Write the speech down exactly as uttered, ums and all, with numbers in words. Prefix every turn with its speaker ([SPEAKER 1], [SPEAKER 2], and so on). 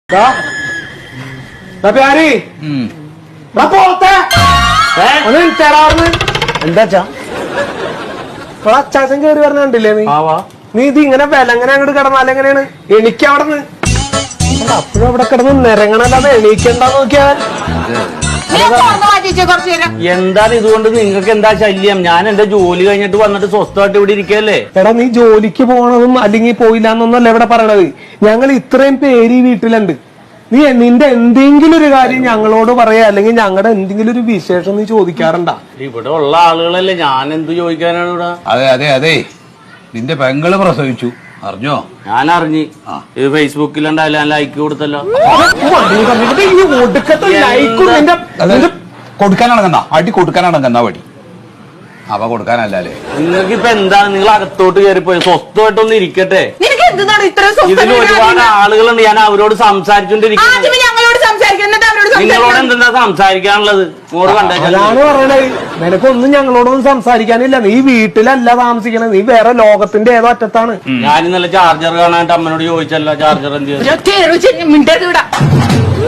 [SPEAKER 1] എന്താച്ചാ
[SPEAKER 2] അച്ചാച്ചൻ കേറി പറഞ്ഞില്ലേ നീ നീ ഇത് ഇങ്ങനെ വില എങ്ങനെ അങ്ങോട്ട് കിടന്നാലും എങ്ങനെയാണ് എനിക്ക് അവിടെ നിന്ന് അപ്പോഴും അവിടെ കിടന്ന് നിരങ്ങണല്ലാതെ എണീക്കണ്ടെന്ന് നോക്കിയാൽ
[SPEAKER 1] എന്താണ് ഇതുകൊണ്ട് നിങ്ങൾക്ക് എന്താ ശല്യം? ഞാൻ എന്റെ ജോലി കഴിഞ്ഞിട്ട് വന്നിട്ട് സ്വസ്ഥമായിട്ട് ഇവിടെ ഇരിക്കല്ലേ.
[SPEAKER 2] എടാ നീ ജോലിക്ക് പോകണതും അല്ലെങ്കിൽ പോയില്ല എന്നൊന്നല്ല ഇവിടെ പറയണത്. ഞങ്ങൾ ഇത്രയും പേര് ഈ വീട്ടിലുണ്ട്. നീ നിന്റെ എന്തെങ്കിലും ഒരു കാര്യം ഞങ്ങളോട് പറയാ, അല്ലെങ്കിൽ ഞങ്ങളുടെ എന്തെങ്കിലും ഒരു വിശേഷം നീ ചോദിക്കാറുണ്ടാ?
[SPEAKER 1] ഇവിടെ ഉള്ള ആളുകളല്ലേ, ഞാൻ എന്ത് ചോദിക്കാനാണ് ഇവിടെ?
[SPEAKER 3] അതെ അതെ അതെ നിന്റെ പെങ്ങള് പ്രസവിച്ചു, അറിഞ്ഞോ?
[SPEAKER 1] ഞാൻ അറിഞ്ഞു. ഇത് ഫേസ്ബുക്കിലുണ്ടായാലും ഞാൻ ലൈക്ക് കൊടുത്തല്ലോ.
[SPEAKER 3] കൊടുക്കാനാണെന്നാ അടി കൊടുക്കാനാണെന്നാ വടി അവ കൊടുക്കാനല്ലേ.
[SPEAKER 1] നിങ്ങൾക്ക് ഇപ്പൊ എന്താണ്? നിങ്ങൾ അകത്തോട്ട് കയറിപ്പോയി സ്വസ്ഥമായിട്ടൊന്നും ഇരിക്കട്ടെ. ഇതിൽ ഒരുപാട് ആളുകളുണ്ട്, ഞാൻ അവരോട് സംസാരിച്ചോണ്ടിരിക്കുന്നു. നിങ്ങളോട് എന്താ സംസാരിക്കാനുള്ളത്? മോട്
[SPEAKER 2] അതാണ് പറയണത്. നിനക്കൊന്നും ഞങ്ങളോടൊന്നും സംസാരിക്കാനില്ല. നീ വീട്ടിലല്ല താമസിക്കണത്, നീ വേറെ ലോകത്തിന്റെ ഏതോ അറ്റത്താണ്.
[SPEAKER 1] ഞാൻ ഇന്നലെ ചാർജർ കാണാനായിട്ട് അമ്മനോട് ചോദിച്ചല്ലോ, ചാർജർ എന്ത് ചെയ്തു?